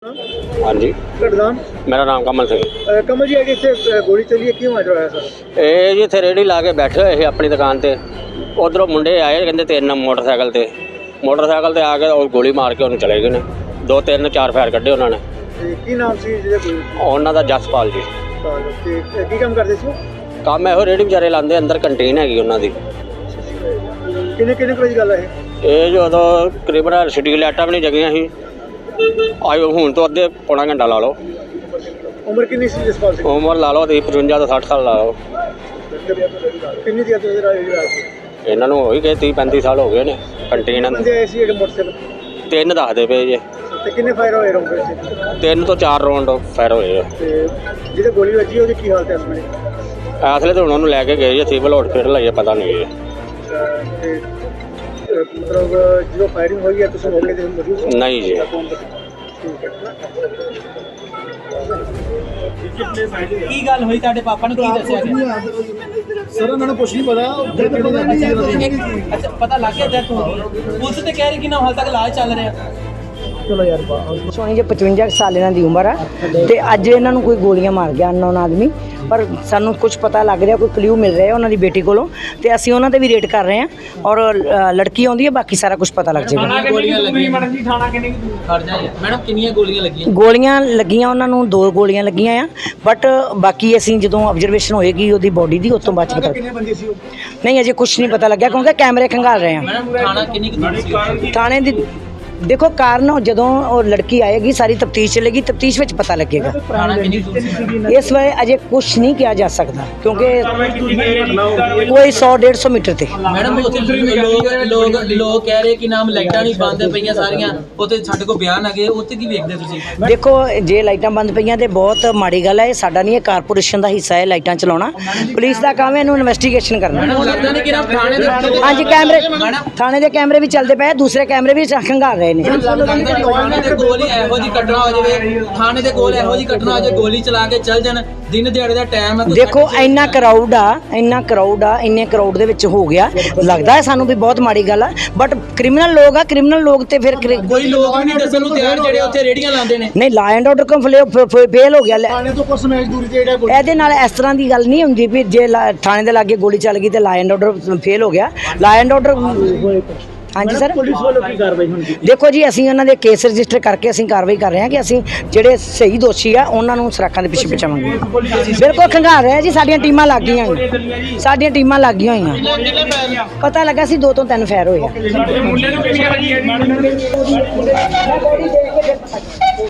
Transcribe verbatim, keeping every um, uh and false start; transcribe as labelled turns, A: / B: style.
A: हाँ जी, मेरा नाम कमल सिंह।
B: कमल जी अगे इतने गोली चली है, क्यों आज होया सर?
A: ये जी इत्थे रेहड़ी ला के बैठे हुए थे अपनी दुकान ते, उधरों मुंडे आए कहते तीन मोटरसाइकिल ते मोटरसाइकिल ते आ के और गोली मार के उन्हें चले गए ने। दो तीन चार फायर कड्ढे उन्होंने।
B: की नाम सी
A: उन्हों का जसपाल जी।
B: की काम करते सी?
A: काम ਇਹੋ रेहड़ी बेचारे लाते, अंदर कंटीन हैगी उन्हों की।
B: किन्ने किन्ने बजे गल है
A: ये जो उदों तकरीबन स्ट्रीट लाइटां भी नहीं जगियां सी, आज हुण तो अद्धे पौना घंटा ला लो।
B: उम्र कितनी सी जसपाल सिंह?
A: उम्र ला लो ती पचवंजा तो सठ साल ला लो।
B: कितनी देर तो रात
A: इन्हों हो ही गए तीह पैंती साल हो गए ने। कंटीन
B: बंदे आए सी मोटरसाइकिल
A: तीन दसदे पे जे।
B: ते किन्ने फायर होए रौंदे?
A: तीन तो चार राउंड फायर होए।
B: ते जिहदे गोली वजी ओहदी की हालत है इस वेले?
A: इसलिए तो उन्होंने लैके गए जे सिविल हॉस्पिटल है, पता नहीं है।
B: ते मतलब जो फायरिंग हुई है तुम मौके ते मौजूद हो?
A: नहीं जी।
C: ਕੀ ਗੱਲ ਹੋਈ ਤੁਹਾਡੇ ਪਾਪਾ ਨੂੰ ਕੀ ਦੱਸਿਆ ਗਿਆ?
B: ਸਰ ਉਹਨਾਂ ਨੂੰ ਕੁਝ ਨਹੀਂ ਪਤਾ।
C: ਅੱਛਾ ਪਤਾ ਲੱਗ ਗਿਆ ਜਦ ਪੁਲਿਸ ਤੇ ਕਹਿ ਰਹੀ ਕਿ ਨਾ ਹਾਲ ਤੱਕ ਇਲਾਜ ਚੱਲ ਰਿਹਾ।
B: ਚਲੋ ਯਾਰ
D: ਸੋਣੀ ਜੇ ਪਚਵੰਜਾ ਸਾਲ ਇਹਨਾਂ ਦੀ ਉਮਰ ਆ ਤੇ ਅੱਜ ਇਹਨਾਂ ਨੂੰ ਕੋਈ ਗੋਲੀਆਂ ਮਾਰ ਗਿਆ ਅਨਨੋਨ ਆਦਮੀ, ਪਰ ਸਾਨੂੰ ਕੁਝ ਪਤਾ ਲੱਗ ਰਿਹਾ, ਕੋਈ ਕਲਿਊ ਮਿਲ ਰਿਹਾ ਉਹਨਾਂ ਦੀ ਬੇਟੀ ਕੋਲੋਂ ਤੇ ਅਸੀਂ ਉਹਨਾਂ ਤੇ ਵੀ ਰੇਡ ਕਰ ਰਹੇ ਹਾਂ ਔਰ ਲੜਕੀ ਆਉਂਦੀ ਹੈ, ਬਾਕੀ ਸਾਰਾ ਕੁਝ ਪਤਾ ਲੱਗ ਜਾਏਗਾ।
C: ਗੋਲੀਆਂ ਲੱਗੀਆਂ ਮੈਡਮ ਜੀ, ਥਾਣਾ ਕਿੰਨੀ ਖੜ ਜਾ ਮੈਡਮ, ਕਿੰਨੀਆਂ ਗੋਲੀਆਂ ਲੱਗੀਆਂ?
D: ਗੋਲੀਆਂ ਲੱਗੀਆਂ ਉਹਨਾਂ ਨੂੰ ਦੋ ਗੋਲੀਆਂ ਲੱਗੀਆਂ ਆ, ਬਟ ਬਾਕੀ ਅਸੀਂ ਜਦੋਂ ਆਬਜ਼ਰਵੇਸ਼ਨ ਹੋਏਗੀ ਉਹਦੀ ਬੋਡੀ ਦੀ ਉਸ ਤੋਂ ਬਾਅਦ ਪਤਾ।
B: ਕਿੰਨੇ ਬੰਦੇ ਸੀ ਉਹ?
D: ਨਹੀਂ ਅਜੇ ਕੁਝ ਨਹੀਂ ਪਤਾ ਲੱਗਿਆ ਕਿਉਂਕਿ ਕੈਮਰੇ ਖੰਗਾਲ ਰਹੇ ਆ।
C: ਮੈਡਮ ਥਾਣਾ ਕਿੰਨੀ ਦੂਰ ਸੀ?
D: ਥਾਣੇ ਦੀ ਦੇਖੋ ਕਾਰਨ ਜਦੋਂ ਉਹ ਲੜਕੀ ਆਏਗੀ ਸਾਰੀ ਤਫਤੀਸ਼ ਚੱਲੇਗੀ, ਤਫਤੀਸ਼ ਵਿੱਚ ਪਤਾ ਲੱਗੇਗਾ।
C: ਥਾਣਾ ਕਿੰਨੀ ਦੂਰ ਸੀ?
D: ਇਸ ਵੇਲੇ ਅਜੇ ਕੁਝ ਨਹੀਂ ਕਿਹਾ ਜਾ ਸਕਦਾ ਕਿਉਂਕਿ ਕੋਈ ਸੌ ਡੇਢ ਸੌ ਮੀਟਰ ਤੇ।
C: ਮੈਡਮ ਉੱਥੇ ਲੋਕ ਲੋਕ ਲੋਕ ਕਹਿ ਰਹੇ ਕਿ ਨਾਮ ਲਾਈਟਾਂ ਨਹੀਂ ਬੰਦ ਪਈਆਂ ਸਾਰੀਆਂ, ਉੱਥੇ ਸਾਡੇ ਕੋਲ ਬਿਆਨ ਆ ਗਏ, ਉੱਥੇ ਕੀ ਵੇਖਦੇ ਤੁਸੀਂ?
D: ਦੇਖੋ ਜੇ ਲਾਈਟਾਂ ਬੰਦ ਪਈਆਂ ਤੇ ਬਹੁਤ ਮਾੜੀ ਗੱਲ ਹੈ, ਇਹ ਸਾਡਾ ਨਹੀਂ, ਇਹ ਕਾਰਪੋਰੇਸ਼ਨ ਦਾ ਹਿੱਸਾ ਹੈ ਲਾਈਟਾਂ ਚਲਾਉਣਾ। ਪੁਲਿਸ ਦਾ ਕੰਮ ਹੈ ਇਹਨੂੰ ਇਨਵੈਸਟੀਗੇਸ਼ਨ ਕਰਨਾ।
C: ਮੈਡਮ ਲੱਗਦਾ ਨਹੀਂ ਕਿ ਨਾ ਥਾਣੇ ਦੇ
D: ਹਾਂਜੀ ਕੈਮਰੇ ਥਾਣੇ ਦੇ ਕੈਮਰੇ ਵੀ ਚੱਲਦੇ ਪਏ, ਦੂਸਰੇ ਕੈਮਰੇ ਵੀ ਖੰਗਾਲ ਰਹੇ ਨੇ।
C: ਥਾਣੇ ਦੇ ਕੋਲ ਇਹੋ ਜਿਹੀ ਘਟਨਾ ਹੋ ਜਾਵੇ, ਥਾਣੇ ਦੇ ਕੋਲ ਇਹੋ ਜਿਹੀ ਘਟਨਾ ਹੋ ਜਾਵੇ, ਗੋਲੀ ਚਲਾ ਕੇ ਚੱਲ ਜਾਣ, ਦਿਨ ਦਿਹਾੜੇ ਦਾ ਟਾਈਮ ਹੈ।
D: ਦੇਖੋ ਇੰਨਾ ਕਰਾਊਡ ਆ ਇੰਨਾ ਕਰਾਊਡ ਆ ਇੰਨੇ ਕਰਾਊਡ ਦੇ ਵਿੱਚ ਹੋ ਗਿਆ, ਲੱਗਦਾ ਹੈ ਸਾਨੂੰ ਵੀ ਬਹੁਤ ਮਾੜੀ ਗੱਲ ਆ, ਬਟ ਕ੍ਰਿਮੀਨਲ ਲੋਕ ਆ, ਕ੍ਰਿਮੀਨਲ ਲੋਕ ਤੇ ਫਿਰ
C: ਕੋਈ ਲੋਕ ਵੀ ਨਹੀਂ ਦੱਸਣ ਨੂੰ ਤਿਆਰ ਜਿਹੜੇ ਉੱਥੇ ਰੇੜੀਆਂ ਲਾਉਂਦੇ ਨੇ।
D: ਨਹੀਂ ਲਾ ਐਂਡ ਆਰਡਰ ਕੰਫਲੇ ਫੇਲ ਹੋ ਗਿਆ।
B: ਥਾਣੇ ਤੋਂ ਕੁਝ ਮੈਚ ਦੂਰੀ ਤੇ ਜਿਹੜਾ
D: ਇਹਦੇ ਨਾਲ ਇਸ ਤਰ੍ਹਾਂ ਦੀ ਗੱਲ ਨਹੀਂ ਹੁੰਦੀ ਵੀ ਜੇ ਥਾਣੇ ਦੇ ਲਾਗੇ ਗੋਲੀ ਚੱਲ ਗਈ ਤੇ ਲਾ ਐਂਡ ਆਰਡਰ ਫੇਲ ਹੋ ਗਿਆ। ਲਾ ਐਂਡ ਆਰਡਰ ਹਾਂਜੀ ਸਰ,
B: ਪੁਲਿਸ ਵੱਲੋਂ ਕੀ ਕਾਰਵਾਈ ਹੁੰਦੀ?
D: ਦੇਖੋ ਜੀ ਅਸੀਂ ਉਹਨਾਂ ਦੇ ਕੇਸ ਰਜਿਸਟਰ ਕਰਕੇ ਅਸੀਂ ਕਾਰਵਾਈ ਕਰ ਰਹੇ ਹਾਂ ਕਿ ਅਸੀਂ ਜਿਹੜੇ ਸਹੀ ਦੋਸ਼ੀ ਆ ਉਹਨਾਂ ਨੂੰ ਸਰਾਖਾਂ ਦੇ ਪਿੱਛੇ ਪਹੁੰਚਾਵਾਂਗੇ। ਬਿਲਕੁਲ ਖੰਗਾਲ ਰਿਹਾ ਜੀ, ਸਾਡੀਆਂ ਟੀਮਾਂ ਲੱਗ ਗਈਆਂ ਹੋਈਆਂ, ਸਾਡੀਆਂ ਟੀਮਾਂ ਲੱਗ ਗਈਆਂ ਹੋਈਆਂ। ਪਤਾ ਲੱਗਾ ਸੀ ਦੋ ਤੋਂ ਤਿੰਨ ਫੈਰ ਹੋਏ ਆ।